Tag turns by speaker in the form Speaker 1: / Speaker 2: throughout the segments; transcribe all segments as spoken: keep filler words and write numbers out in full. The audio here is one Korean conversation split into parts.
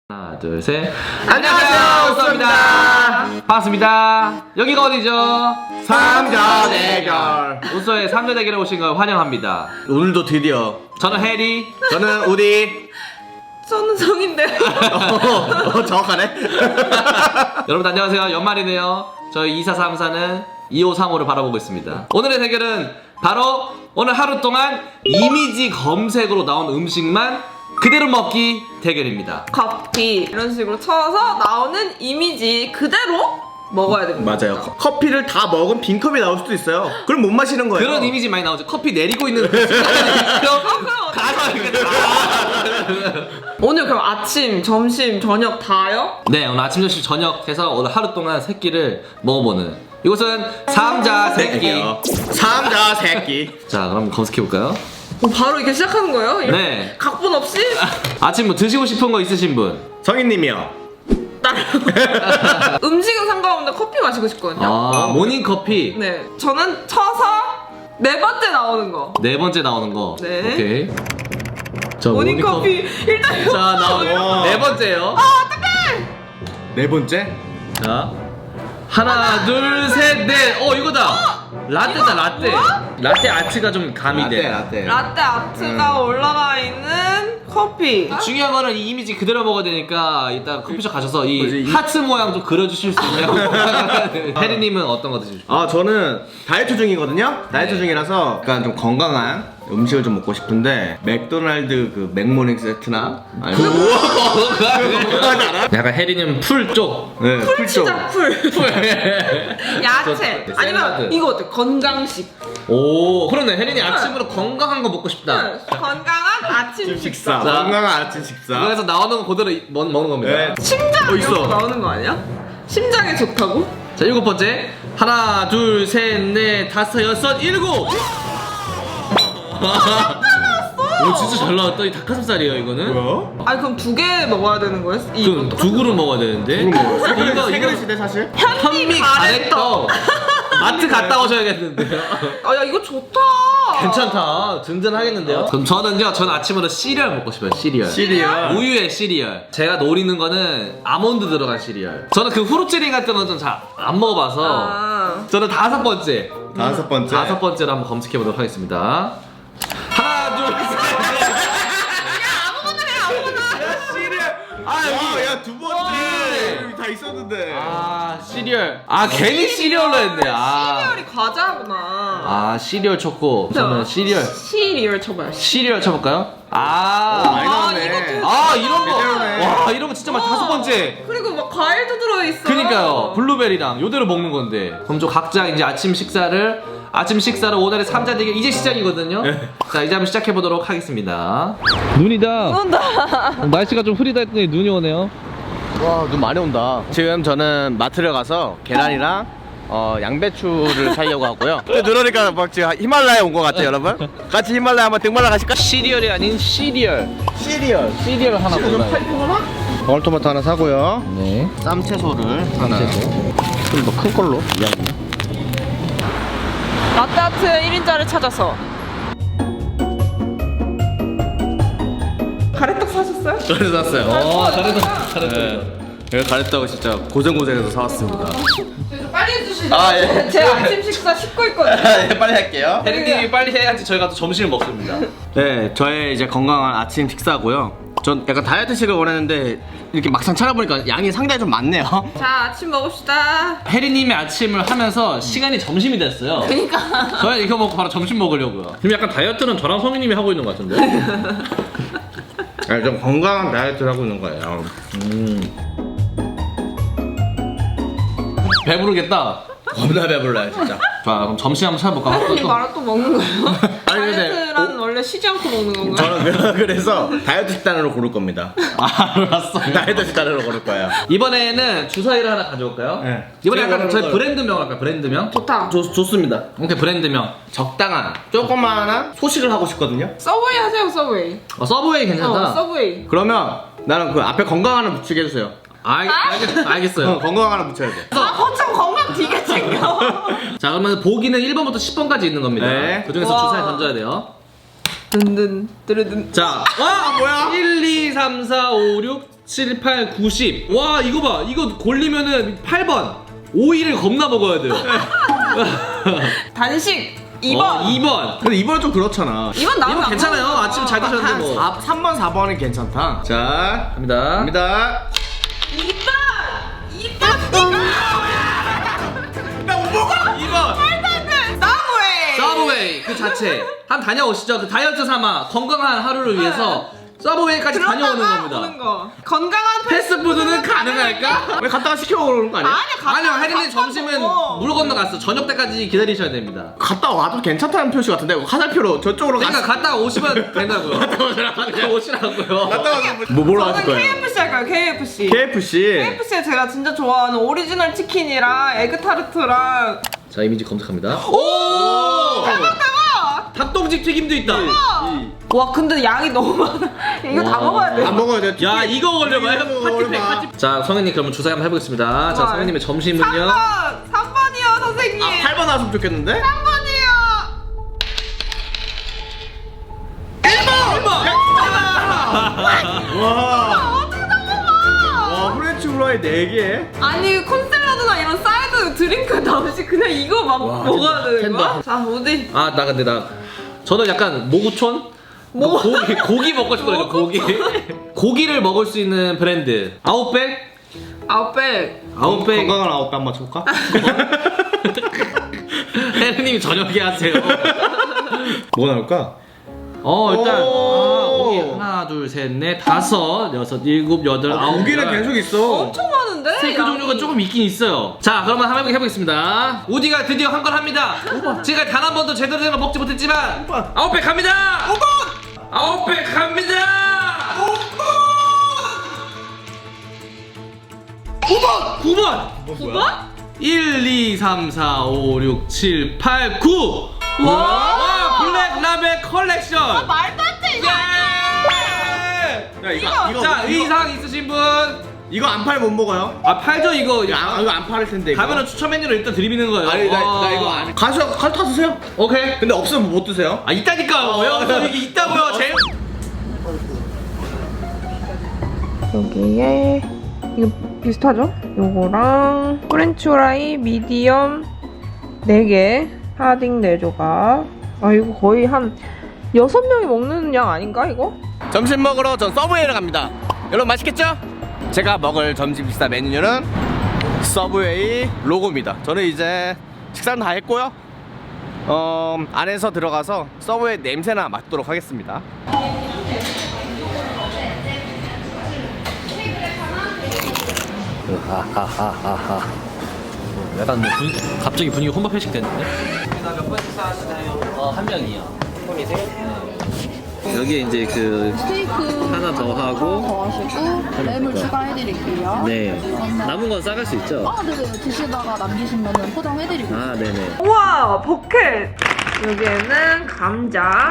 Speaker 1: 하나 둘 셋. 안녕하세요, 우쏘입니다. 반갑습니다. 여기가 어디죠?
Speaker 2: 삼자 대결.
Speaker 1: 우쏘의 삼자 대결에 오신 걸 환영합니다.
Speaker 2: 오늘도 드디어
Speaker 1: 저는 해리.
Speaker 2: 저는 우디.
Speaker 3: 저는 정인데.
Speaker 2: 어, 정확하네.
Speaker 1: 여러분 안녕하세요. 연말이네요. 저희 이사삼사는 이오삼오를 바라보고 있습니다. 오늘의 대결은 바로 오늘 하루 동안 이미지 검색으로 나온 음식만 그대로 먹기 대결입니다.
Speaker 3: 커피 이런 식으로 쳐서 나오는 이미지 그대로 먹어야 됩니다.
Speaker 2: 맞아요. 커- 커피를 다 먹은 빈 컵이 나올 수도 있어요. 그럼 못 마시는 거예요.
Speaker 1: 그런 이미지 많이 나오죠. 커피 내리고 있는 그 순간이
Speaker 3: 그럼 오늘 그럼 아침, 점심, 저녁 다요?
Speaker 1: 네, 오늘 아침, 점심, 저녁 해서 오늘 하루 동안 세 끼를 먹어보는 이곳은 삼자 새끼.
Speaker 2: 삼자 새끼.
Speaker 1: 자, 그럼 검색해볼까요?
Speaker 3: 어, 바로 이렇게 시작하는 거예요? 이렇게
Speaker 1: 네.
Speaker 3: 각본 없이?
Speaker 1: 아침 뭐 드시고 싶은 거 있으신 분?
Speaker 2: 성인님이요.
Speaker 3: 음식은 상관없는데 커피 마시고 싶거든요.
Speaker 1: 아, 모닝커피.
Speaker 3: 네, 저는 쳐서 네 번째 나오는 거.
Speaker 1: 네 번째 나오는 거.
Speaker 3: 네.
Speaker 1: 오케이. 자,
Speaker 3: 모닝커피 일단 이거
Speaker 1: 자, 나오는
Speaker 2: 와.
Speaker 1: 네 번째요.
Speaker 2: 네 번째.
Speaker 1: 자, 하나, 둘, 셋, 넷. 어, 이거다. 라떼다, 라떼. 라떼 아트가 좀 가미돼.
Speaker 2: 라떼.
Speaker 3: 라떼 아트가 올라가 있는 커피.
Speaker 1: 중요한 거는 이 이미지 그대로 먹어야 되니까 이따 커피숍 가셔서 이
Speaker 2: 뭐지, 이-
Speaker 1: 하트 모양 좀 그려주실 수 있냐고. 혜리님은 어떤 거 드시고 싶어요?
Speaker 2: 아 저는 다이어트 중이거든요. 다이어트
Speaker 1: 네.
Speaker 2: 중이라서 약간 좀 건강한 음식을 좀 먹고 싶은데 맥도날드 그 맥모닝 세트나 아니면 건강하지 않아?
Speaker 1: 약간 혜리님 풀 쪽.
Speaker 2: 네, 풀 쪽.
Speaker 3: 풀치자 풀. 야채.
Speaker 1: 저-
Speaker 3: 아니면
Speaker 1: 샐러드.
Speaker 3: 이거 어때? 건강식.
Speaker 1: 오, 그러네. 혜린이 아침으로 건강한 거 먹고 싶다.
Speaker 3: 응, 건강한 아침
Speaker 2: 식사.
Speaker 3: 식사.
Speaker 1: 자.
Speaker 2: 건강한 아침 식사.
Speaker 1: 그래서 나오는 거 그대로 이- 먹, 먹는 겁니다.
Speaker 2: 네.
Speaker 3: 심장
Speaker 2: 어,
Speaker 3: 이런 거
Speaker 2: 있어.
Speaker 3: 나오는 거 아니야? 심장에 좋다고?
Speaker 1: 자, 일곱 번째. 하나, 둘, 셋, 넷, 다섯, 여섯, 일곱. 오, 진짜 잘 나왔다. 이 닭가슴살이에요, 이거는.
Speaker 2: 뭐야?
Speaker 3: 아니 그럼 두 개 먹어야 되는 거야?
Speaker 1: 그럼
Speaker 3: 이거
Speaker 1: 두 그릇 먹어야 되는데.
Speaker 2: 이거 뭐?
Speaker 1: 이거
Speaker 2: 세
Speaker 1: 이거
Speaker 2: 그릇인데 사실?
Speaker 1: 현미 가래떡. 마트 갔다 오셔야겠는데요.
Speaker 3: 아야 이거 좋다.
Speaker 1: 괜찮다. 든든하겠는데요. 그럼 저는요. 저는 아침으로 시리얼 먹고 싶어요. 시리얼.
Speaker 2: 시리얼.
Speaker 1: 우유에 시리얼. 제가 노리는 거는 아몬드 들어간 시리얼. 저는 그 후루츠링 같은 건 좀 잘 안 먹어봐서.
Speaker 3: 아.
Speaker 1: 저는 다섯 번째.
Speaker 2: 다섯 번째.
Speaker 1: 다섯 번째로 한번 검색해 보도록 하겠습니다. 하나, 둘, 셋.
Speaker 3: 아무거나 해 아무거나.
Speaker 2: 시리얼. 아 여기 야두 번째. 여기 다 있었는데.
Speaker 1: 아, 시리얼. 아, 괜히 시리얼로 했네. 아.
Speaker 3: 시리얼이 과자구나.
Speaker 1: 아, 시리얼 초코. 저는 시리얼.
Speaker 3: 시리얼 쳐봐요.
Speaker 1: 시리얼 쳐볼까요? 아.
Speaker 2: 많이
Speaker 3: 아,
Speaker 2: 나오네.
Speaker 3: 이거
Speaker 1: 아, 이런 거.
Speaker 2: 제대로네.
Speaker 1: 와, 이런 거 진짜 많 다섯 번째.
Speaker 3: 그리고 막 과일도 들어있어.
Speaker 1: 그니까요. 블루베리랑 요대로 먹는 건데. 그럼 저 각자 이제 아침 식사를 아침 식사를 오늘의 삼자 대결 이제 시작이거든요. 자, 이제 한번 시작해 보도록 하겠습니다. 눈이다.
Speaker 3: 온다.
Speaker 1: 날씨가 좀 흐리다 했더니 눈이 오네요.
Speaker 2: 와, 눈 많이 온다. 지금 저는 마트를 가서 계란이랑 어, 양배추를 사려고 하고요. 근데 눈 오니까 막 지금 히말라야 온 것 같아요, 여러분. 같이 히말라야 한번 등반을 가실까?
Speaker 1: 시리얼이 아닌 시리얼.
Speaker 2: 시리얼.
Speaker 1: 시리얼 하나 골라요.
Speaker 2: 방울토마토 하나 사고요.
Speaker 1: 네.
Speaker 2: 쌈채소를 하나. 좀 더 큰 걸로.
Speaker 3: 라떼아트 일 인자를 찾아서. 가래떡 사셨어요?
Speaker 1: 잘해서 샀어요. 어, 잘해서 잘해서.
Speaker 2: 이거 가랬다고 진짜 고생고생해서 사왔습니다.
Speaker 3: 그래서 빨리 해주시죠.
Speaker 2: 아, 예.
Speaker 3: 제 아침 식사 씻고 있거든요.
Speaker 2: 네, 빨리 할게요.
Speaker 1: 혜린님이 빨리 해야지 저희가 또 점심을 먹습니다.
Speaker 2: 네, 저의 이제 건강한 아침 식사고요. 전 약간 다이어트식을 원했는데 이렇게 막상 찾아보니까 양이 상당히 좀 많네요.
Speaker 3: 자, 아침 먹읍시다.
Speaker 1: 혜린님이 아침을 하면서 시간이 점심이 됐어요.
Speaker 3: 그니까.
Speaker 1: 저희 이거 먹고 바로 점심 먹으려고요. 지금 약간 다이어트는 저랑 성희님이 하고 있는 것 같은데.
Speaker 2: 아니, 좀 건강한 다이어트를 하고 있는 거예요.
Speaker 1: 배부르겠다.
Speaker 2: 겁나 배불러요, 진짜.
Speaker 1: 자, 그럼 점심 한번 찾아볼까?
Speaker 3: 혜린이 말아 또 먹는 거예요?
Speaker 2: 아니, 근데
Speaker 3: 다이어트란 원래 쉬지 않고 먹는 건가요?
Speaker 2: 저는 그래서 다이어트 식단으로 고를 겁니다.
Speaker 1: 아, 알았어.
Speaker 2: 다이어트 식단으로 고를 거예요.
Speaker 1: 이번에는 주사위를 하나 가져올까요?
Speaker 2: 네.
Speaker 1: 이번에
Speaker 2: 제가
Speaker 1: 약간 저희
Speaker 2: 그런 걸-
Speaker 1: 브랜드명 할까요? 브랜드명?
Speaker 3: 좋다.
Speaker 2: 좋, 좋습니다.
Speaker 1: 오케이, 브랜드명. 적당한.
Speaker 2: 조그마한 소식을 하고 싶거든요.
Speaker 3: 서브웨이 하세요, 서브웨이.
Speaker 1: 어, 서브웨이 괜찮다.
Speaker 3: 어, 서브웨이.
Speaker 2: 그러면 나는 그 앞에 건강 하나 붙이게 해주세요.
Speaker 1: 알, 알겠, 알겠어요.
Speaker 2: 어, 건강 하나 붙여야 돼.
Speaker 3: 아, 거참 건강 되게 챙겨.
Speaker 1: 자, 그러면 보기는 일 번부터 십 번까지 있는 겁니다.
Speaker 2: 네.
Speaker 1: 그 중에서
Speaker 3: 와.
Speaker 1: 주사위 던져야 돼요.
Speaker 3: 든든, 드르든.
Speaker 1: 자,
Speaker 2: 아, 뭐야?
Speaker 1: 일, 이, 삼, 사, 오, 육, 칠, 팔, 구, 십. 와 이거 봐. 이거 골리면은 팔 번. 오이를 겁나 먹어야 돼요.
Speaker 3: 단식 이 번.
Speaker 1: 어, 이 번.
Speaker 2: 근데 이번은 좀 그렇잖아.
Speaker 3: 이 번 나오면
Speaker 1: 이번 괜찮아요. 아침 잘 드셨는데
Speaker 2: 한
Speaker 1: 뭐.
Speaker 2: 삼 번, 사 번은 괜찮다. 자,
Speaker 1: 갑니다.
Speaker 2: 갑니다.
Speaker 3: 이 번. 이 번.
Speaker 2: 나못 먹어!
Speaker 1: 이 번.
Speaker 3: 서브웨이.
Speaker 1: 서브웨이 그 자체. 한 다녀오시죠. 그 다이어트 삼아 건강한 하루를 위해서 서브웨이까지 다녀오는
Speaker 3: 그러다가
Speaker 1: 겁니다.
Speaker 3: 오는 거. 건강한
Speaker 1: 패스트푸드는 가능할까?
Speaker 2: 왜 갔다가 시켜 먹는 거 아니야?
Speaker 3: 아니야.
Speaker 1: 아니요, 혜린님 점심은 물 건너갔어. 저녁 때까지 기다리셔야 됩니다.
Speaker 2: 갔다 와도 괜찮다는 표시 같은데 화살표로 저쪽으로
Speaker 1: 그러니까
Speaker 2: 갔어.
Speaker 1: 갔다가 오시면 된다고요. 갔다 오시라고요.
Speaker 2: 갔다 와서 뭐 뭐로 하실
Speaker 3: 저는
Speaker 2: 거예요?
Speaker 3: 케이에프씨 할 거예요. 케이에프씨.
Speaker 2: 케이에프씨.
Speaker 3: 케이에프씨에 제가 진짜 좋아하는 오리지널 치킨이랑 에그타르트랑
Speaker 1: 자, 이미지 검색합니다.
Speaker 2: 오!
Speaker 3: 대박 대박.
Speaker 1: 닭똥집 튀김도 있다.
Speaker 3: 와 근데 양이 너무 많아. 이거 다
Speaker 1: 와.
Speaker 3: 먹어야 돼.
Speaker 2: 안 먹어야 돼.
Speaker 1: 야, 이거 걸려봐요.
Speaker 2: 이거
Speaker 1: 파티팩,
Speaker 2: 걸려봐.
Speaker 1: 파티팩. 자, 성현님 그러면 주사 한번 해보겠습니다. 자,
Speaker 3: 좋아요.
Speaker 1: 성현님의 점심은요?
Speaker 3: 삼 번. 삼 번이요 선생님.
Speaker 2: 아, 팔 번 나왔으면 좋겠는데?
Speaker 3: 삼 번이요.
Speaker 1: 일 번!
Speaker 2: 와.
Speaker 3: 어떻게 다 먹어?
Speaker 2: 와, 프렌치 후라이 네 개.
Speaker 3: 아니 콘샐러드나 이런 사이드 드링크 나오지 그냥 이거 막 먹어야 되는 거야? 자 어디?
Speaker 1: 아, 나 근데 나 저는 약간 모구촌?
Speaker 3: 모-
Speaker 1: 고기, 고기 먹고 싶거든요. 고기. 고기를 먹을 수 있는 브랜드. 아웃백?
Speaker 3: 아웃백.
Speaker 1: 아웃백.
Speaker 2: 건강한 아웃백 한번 쳐볼까?
Speaker 1: 혜린님이 저녁에 하세요.
Speaker 2: 뭐가 나올까?
Speaker 1: 어, 일단
Speaker 2: 오.
Speaker 1: 아, 고기 하나, 둘, 셋, 넷, 다섯, 여섯, 일곱, 여덟, 아홉.
Speaker 2: 고기는
Speaker 1: 열.
Speaker 2: 계속 있어.
Speaker 3: 엄청 많은데?
Speaker 1: 스테이크
Speaker 3: 양이.
Speaker 1: 종류가 조금 있긴 있어요. 자, 그러면 한번 해보겠습니다. 우디가 드디어 한 건 합니다. 지금까지 단 한 번도 제대로 된 걸 먹지 못했지만 아웃백 갑니다. 아웃백 갑니다. 구 번! 구 번!
Speaker 3: 구 번?
Speaker 1: 일, 이, 삼, 사, 오, 육, 칠, 팔, 구!
Speaker 3: 와!
Speaker 1: 와! 블랙 라벨 컬렉션!
Speaker 3: 말도 안 돼 이거.
Speaker 1: 예!
Speaker 2: 야, 이거 이거
Speaker 1: 자,
Speaker 2: 이거,
Speaker 1: 의상 있으신 분?
Speaker 2: 이거 안 팔 못 먹어요?
Speaker 1: 아, 팔죠, 이거.
Speaker 2: 아, 이거 안 팔을 텐데. 이거.
Speaker 1: 가면은 추천 메뉴를 일단 드리는 거예요.
Speaker 2: 아니 나,
Speaker 1: 어.
Speaker 2: 나 이거 안. 가서 가서 타 드세요.
Speaker 1: 오케이.
Speaker 2: 근데 없으면 못 드세요.
Speaker 1: 아, 있다니까요. 여기서 이게 있다고요. 제일.
Speaker 3: 여기에 이거 비슷하죠? 요거랑 프렌치 후라이 미디엄 네 개, 하딩 네 조각. 아 이거 거의 한 여섯 명이 먹는 양 아닌가 이거?
Speaker 2: 점심 먹으러 전 서브웨이를 갑니다. 여러분 맛있겠죠? 제가 먹을 점심 식사 메뉴는 서브웨이 로고입니다. 저는 이제 식사는 다 했고요. 어, 안에서 들어가서 서브웨이 냄새나 맡도록 하겠습니다.
Speaker 1: 약간 뭐 분, 갑자기 분위기 혼밥 회식 됐는데? 몇 번 식사하시나요? 어, 한 명이요. 여기에 이제 그
Speaker 4: 스테이크
Speaker 1: 하나 더 하고
Speaker 4: 더 하시고 램을 추가해드릴게요.
Speaker 1: 네 남은 건 싸갈 수 있죠?
Speaker 4: 아, 네네. 드시다가 남기시면 포장해드릴게요.
Speaker 1: 아 네네.
Speaker 3: 우와 버켓. 여기에는 감자.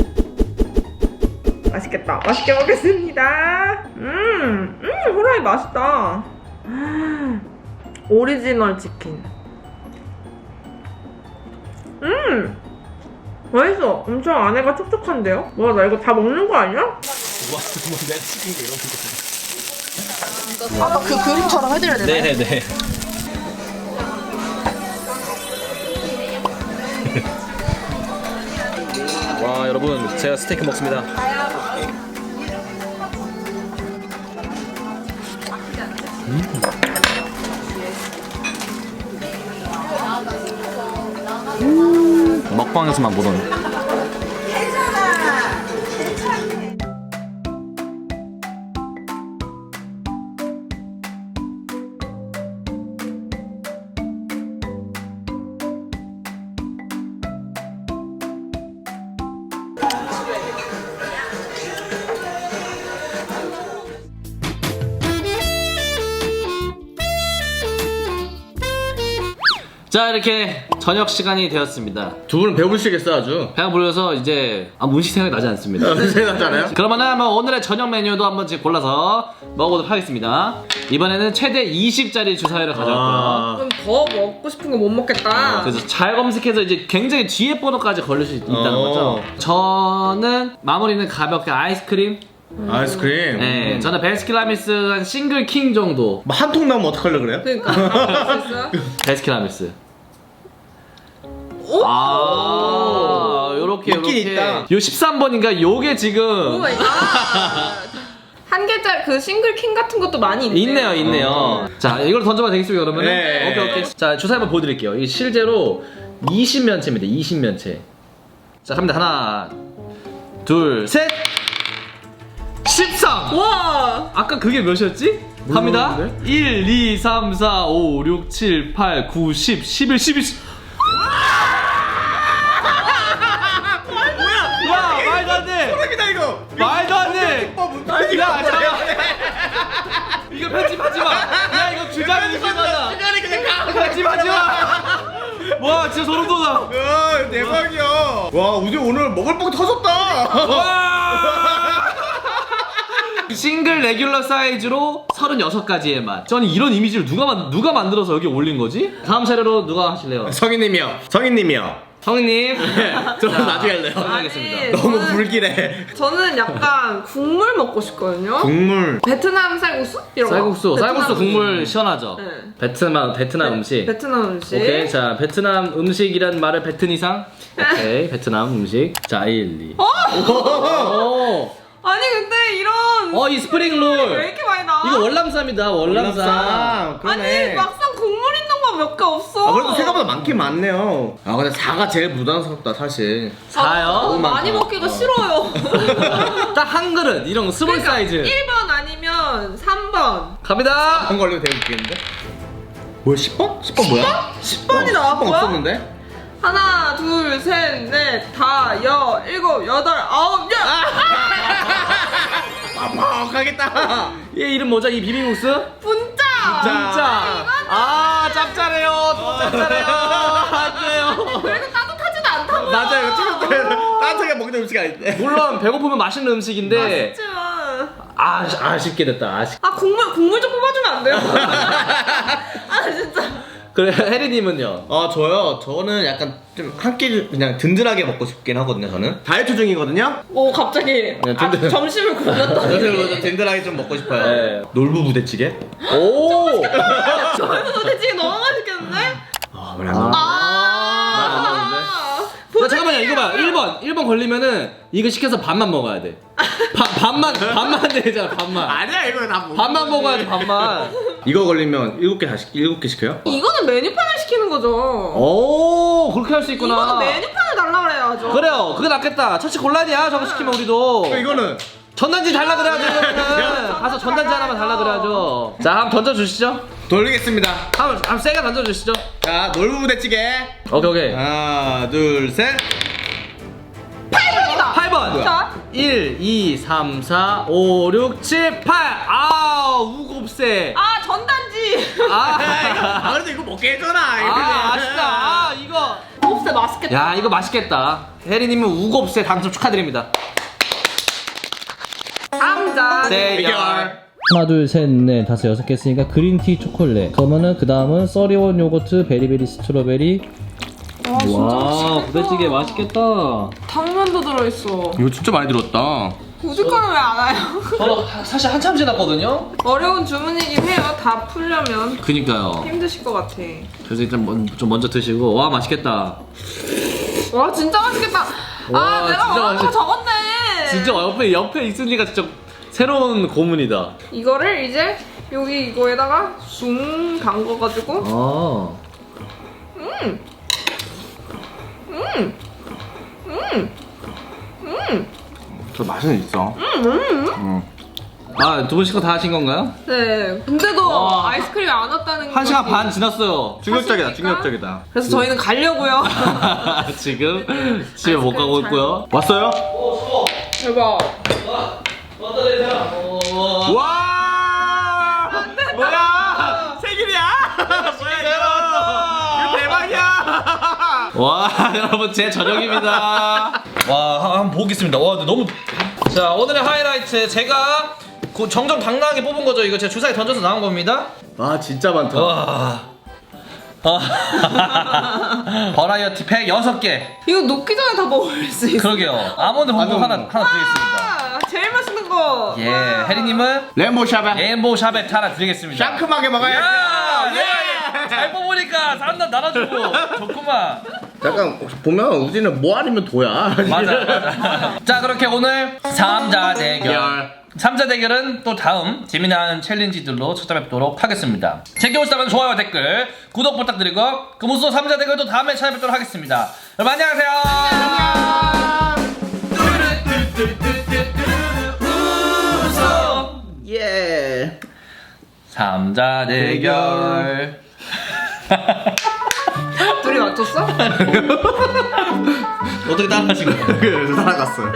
Speaker 3: 맛있겠다. 맛있게 먹겠습니다. 음, 음 후라이 맛있다. 음, 오리지널 치킨. 음. 맛있어. 엄청 안에가 촉촉한데요? 뭐야 나 이거 다 먹는 거 아니야?
Speaker 4: 아까 그 그림처럼 해드려야 되나요?
Speaker 1: 네네네. 와 여러분 제가 스테이크 먹습니다. 음. 먹방에서만 보던. 자 이렇게 저녁 시간이 되었습니다.
Speaker 2: 두 분은 배부르시겠어 아주.
Speaker 1: 배가 불려서 이제 아무 음식 생각이 나지 않습니다.
Speaker 2: 생각나잖아요.
Speaker 1: 그러면은 한번 오늘의 저녁 메뉴도 한번 지금 골라서 먹어보도록 하겠습니다. 이번에는 최대 이십 짜리 주사위를 가져왔고요.
Speaker 2: 아.
Speaker 3: 그럼 더 먹고 싶은 거 못 먹겠다.
Speaker 1: 그래서 잘 검색해서 이제 굉장히 뒤에 번호까지 걸릴 수 있다는
Speaker 2: 어.
Speaker 1: 거죠. 저는 마무리는 가볍게 아이스크림
Speaker 2: 아이스크림.
Speaker 1: 네, 저는 베스킨라빈스 한 싱글 킹 정도.
Speaker 2: 뭐 한 통 나오면 어떡하려 그래요?
Speaker 3: 그러니까 할수 있어요?
Speaker 1: 베스킨라빈스. 아, 요렇게
Speaker 2: 있긴
Speaker 1: 요렇게.
Speaker 2: 있다.
Speaker 1: 요 십삼 번인가 요게 지금
Speaker 3: 오 마이 갓. 한 개짜리 그 싱글 킹 같은 것도 많이 있네요.
Speaker 1: 있네요, 있네요. 자, 이걸 던져봐도 되겠습니까, 그러면?
Speaker 2: 네.
Speaker 1: 오케이, 오케이. 자, 주사 한번 보여드릴게요. 이게 실제로 이십 면체입니다, 이십 면체. 자, 갑니다. 하나, 둘, 셋! 십삼!
Speaker 3: 와.
Speaker 1: 아까 그게 몇이었지? 갑니다.
Speaker 2: 모르겠는데?
Speaker 1: 일, 이, 삼, 사, 오, 육, 칠, 팔, 구, 십, 십일, 십이. 야, 말도 안 돼!
Speaker 2: 소름이다 이거.
Speaker 1: 말도 안 돼! 야, 잠깐! 이거 편집하지 마! 야, 이거 주장 의심하다!
Speaker 2: 시간이 그냥 가.
Speaker 1: 편집하지 마! 와, 진짜 소름 돋아!
Speaker 2: 와 대박이야. 와 우리 오늘 먹을 뻥 터졌다.
Speaker 1: 와! 싱글 레귤러 사이즈로 서른여섯 가지의 맛. 저는 이런 이미지를 누가 만 누가 만들어서 여기 올린 거지? 다음 차례로 누가 하실래요?
Speaker 2: 성희님이요. 성희님이요.
Speaker 1: 성희님.
Speaker 2: 저는 나중에 할래요.
Speaker 1: 하겠습니다.
Speaker 2: 너무
Speaker 3: 저는-
Speaker 2: 불길해.
Speaker 3: 저는 약간 국물 먹고 싶거든요.
Speaker 2: 국물.
Speaker 3: 베트남 쌀국수? 이런 거.
Speaker 1: 쌀국수,
Speaker 3: 베트남
Speaker 1: 쌀국수
Speaker 3: 음식.
Speaker 1: 국물 시원하죠.
Speaker 3: 네.
Speaker 1: 베트남 베트남 음식.
Speaker 3: 베트남 음식.
Speaker 1: 오케이, 자 베트남 음식이란 말을 뱉은 이상. 오케이, 베트남 음식. 자 일, 이. 오.
Speaker 3: 아니 근데 이런
Speaker 1: 어, 이 스프링 롤.
Speaker 3: 왜 이렇게 많이 나와?
Speaker 1: 이거 월남쌈이다, 월남쌈.
Speaker 2: 월남쌈. 그러네.
Speaker 3: 아니 막상 국물 있는 거 몇 개 없어.
Speaker 2: 아 그래도 생각보다 많긴 많네요. 아 근데 사가 제일 부담스럽다 사실.
Speaker 1: 사요?
Speaker 3: 너무 많이
Speaker 2: 많다.
Speaker 3: 먹기가 싫어요.
Speaker 1: 딱 한 그릇 이런 거 스몰
Speaker 3: 그러니까
Speaker 1: 사이즈.
Speaker 3: 일 번 아니면 삼 번.
Speaker 1: 갑니다.
Speaker 2: 한 걸리면 되게 웃기는데. 뭐야 십 번? 십 번 뭐야?
Speaker 3: 십 번이 나왔고요?
Speaker 2: 십 번 없었는데?
Speaker 3: 하나, 둘, 셋, 넷, 다, 여, 일곱, 여덟, 아홉, 열.
Speaker 2: 빡빡하겠다.
Speaker 1: 얘 이름 뭐죠? 이 비빔국수?
Speaker 3: 분짜.
Speaker 1: 진짜. 아, 짭짤해요. 또 짭짤해요. 안 돼요.
Speaker 3: 그래도 따뜻하지도 않다고요.
Speaker 2: 맞아 이거 찍을 때 따뜻하게 먹는 음식 아닌데.
Speaker 1: 물론 배고프면 맛있는 음식인데
Speaker 3: 맛있지만.
Speaker 1: 아, 아쉽게 됐다. 아쉽.
Speaker 3: 아 국물 국물 좀 뽑아주면 안 돼요? 아 진짜.
Speaker 1: 그래, 혜리님은요?
Speaker 2: 아 저요? 저는 약간 좀 한 끼 그냥 든든하게 먹고 싶긴 하거든요 저는. 다이어트 중이거든요.
Speaker 3: 오 갑자기
Speaker 2: 네,
Speaker 3: 아,
Speaker 2: 든든-
Speaker 3: 점심을 굶었다.
Speaker 2: 그래서 좀 든든하게 좀 먹고 싶어요.
Speaker 1: 네.
Speaker 2: 놀부 부대찌개?
Speaker 1: 오.
Speaker 3: 저희도 도대체 너무 맛있겠는데?
Speaker 2: 아 그래.
Speaker 1: 아.
Speaker 3: 아.
Speaker 1: 야, 잠깐만요. 이거 봐요. 일 번. 일 번 걸리면은 이거 시켜서 반만 먹어야 돼. 바, 반만 반만 되잖아. 반만.
Speaker 2: 아니야 이거 다 먹.
Speaker 1: 반만 먹어야 돼. 반만.
Speaker 2: 이거 걸리면 일곱 개 다시 일곱 개 시켜요?
Speaker 3: 이거는 메뉴판을 시키는 거죠.
Speaker 1: 오, 그렇게 할 수 있구나.
Speaker 3: 이거는 메뉴판을 달라 그래야죠.
Speaker 1: 그래요. 그게 낫겠다. 처치 곤란이야. 저거 시키면 우리도.
Speaker 2: 이거는
Speaker 1: 전단지 달라 그래야죠. 이거는. 가서 전단지 하나만 달라 그래야죠. 자, 한번 던져 주시죠.
Speaker 2: 돌리겠습니다.
Speaker 1: 한번 한번 세게 던져 주시죠.
Speaker 2: 자 놀부 부대찌개.
Speaker 1: 오케이, 오케이.
Speaker 2: 하나 둘 셋.
Speaker 3: 팔 번이다.
Speaker 1: 팔 번.
Speaker 3: 자.
Speaker 1: 일, 이, 삼, 사, 오, 육, 칠, 팔. 아, 우곱세.
Speaker 3: 아 전단지.
Speaker 2: 아
Speaker 1: 아,
Speaker 2: 그래도 이거 먹게 해줘라.
Speaker 1: 아, 아쉽다. 아, 이거.
Speaker 3: 곱새 맛있겠다.
Speaker 1: 야, 이거 맛있겠다. 혜리님은 우곱세 당첨 축하드립니다.
Speaker 3: 감자.
Speaker 1: 대결.
Speaker 5: 하나 둘셋넷 다섯 여섯 개 했으니까 그린티 초콜릿 그러면은 그 다음은 써리온 요거트 베리베리 스트로베리
Speaker 3: 와 진짜
Speaker 5: 와
Speaker 3: 맛있겠다.
Speaker 5: 부대찌개 맛있겠다
Speaker 3: 당면도 들어있어.
Speaker 2: 이거 진짜 많이 들었다.
Speaker 3: 우주과는 왜 안 와요?
Speaker 1: 저도 사실 한참 지났거든요.
Speaker 3: 어려운 주문이긴 해요. 다 풀려면
Speaker 1: 그니까요.
Speaker 3: 힘드실 것 같아.
Speaker 1: 그래서 일단 먼, 좀 먼저 드시고. 와, 맛있겠다.
Speaker 3: 와 진짜 맛있겠다.
Speaker 1: 와,
Speaker 3: 아 내가
Speaker 1: 진짜
Speaker 3: 원하는 거
Speaker 1: 맛있-
Speaker 3: 적었네.
Speaker 1: 진짜 옆에 옆에 있으니까 진짜 새로운 고문이다.
Speaker 3: 이거를 이제 여기 이거에다가 숭 담궈가지고
Speaker 1: 아.
Speaker 3: 음. 음. 음. 음.
Speaker 2: 저 맛은 있어.
Speaker 3: 음.
Speaker 1: 아, 두 분씩 다 하신 건가요?
Speaker 3: 네. 근데도
Speaker 1: 와.
Speaker 3: 아이스크림이 안 왔다는
Speaker 1: 한 시간
Speaker 3: 거지.
Speaker 1: 반 지났어요.
Speaker 2: 충격적이다.
Speaker 3: 하십니까?
Speaker 2: 충격적이다.
Speaker 3: 그래서 저희는 가려고요.
Speaker 1: 지금 집에 못 가고
Speaker 3: 아이스크림
Speaker 1: 있고요.
Speaker 2: 왔어요?
Speaker 3: 대박.
Speaker 2: 와! 뭐야? 생일이야? 뭐야 이거? 이거 대박이야!
Speaker 1: 와, 여러분 제 저녁입니다. 와, 한번 보겠습니다. 와, 근데 너무. 자, 오늘의 하이라이트 제가 그 정정 당당하게 뽑은 거죠. 이거 제가 주사위 던져서 나온 겁니다.
Speaker 2: 아 진짜 많다.
Speaker 1: 와. 아. 버라이어티 팩 여섯 개.
Speaker 3: 이거 녹기 전에 다 먹을 수 있어.
Speaker 1: 그러게요. 아몬드 봉봉 하나 하나 드리겠습니다.
Speaker 3: 아, 제일 맛있는 거.
Speaker 1: 예, 혜리님은
Speaker 2: 레몬 샤베.
Speaker 1: 레인보우 샤베트 하나 드리겠습니다.
Speaker 2: 상큼하게 먹어야
Speaker 1: 야,
Speaker 2: 돼.
Speaker 1: 예, 잘 뽑으니까 사람들 나눠주고 좋구만.
Speaker 2: 잠깐 보면 우진은 뭐 아니면 도야.
Speaker 1: 맞아, 맞아. 자, 그렇게 오늘 삼자 대결. 삼자 대결은 또 다음 재미난 챌린지들로 찾아뵙도록 하겠습니다. 재미있다면 좋아요, 댓글, 구독 부탁드리고 그 무슨 삼자 대결도 다음에 찾아뵙도록 하겠습니다. 여러분 안녕하세요. 웃어.
Speaker 2: 예.
Speaker 1: 삼자 대결.
Speaker 3: 둘이 맞췄어?
Speaker 1: 어떻게 따라하신 거예요?
Speaker 2: 그래서 살아갔어요.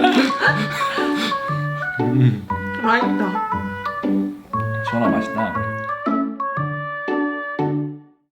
Speaker 3: 맛있다.
Speaker 1: 시원하 맛있다.